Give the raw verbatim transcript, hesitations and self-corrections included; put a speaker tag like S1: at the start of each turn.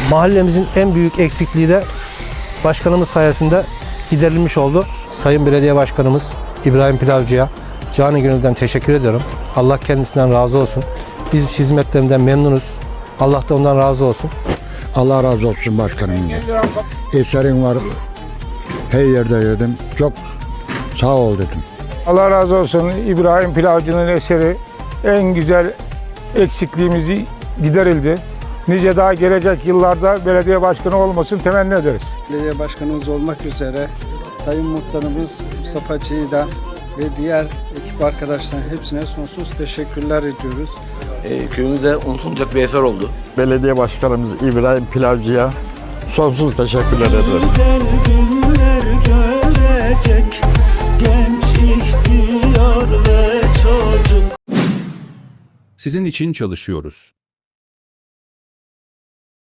S1: Mahallemizin en büyük eksikliği de başkanımız sayesinde giderilmiş oldu. Sayın Belediye Başkanımız İbrahim Pilavcı'ya canı gönülden teşekkür ediyorum. Allah kendisinden razı olsun. Biz hizmetlerinden memnunuz. Allah da ondan razı olsun.
S2: Allah razı olsun başkanım. Eserin var. Her yerde yedim. Çok sağ ol dedim.
S3: Allah razı olsun. İbrahim Pilavcı'nın eseri en güzel eksikliğimizi giderildi. Nice daha gelecek yıllarda belediye başkanı olmasını temenni ederiz.
S4: Belediye başkanımız olmak üzere Sayın Muhtarımız Mustafa Çiğdağ ve diğer ekip arkadaşlarına hepsine sonsuz teşekkürler ediyoruz.
S5: E, köyümüzde unutulmayacak bir eser oldu.
S6: Belediye Başkanımız İbrahim Pilavcı'ya sonsuz teşekkürler ederim.
S7: Güzel günler görecek genç, ihtiyar ve çocuk.
S8: Sizin için çalışıyoruz.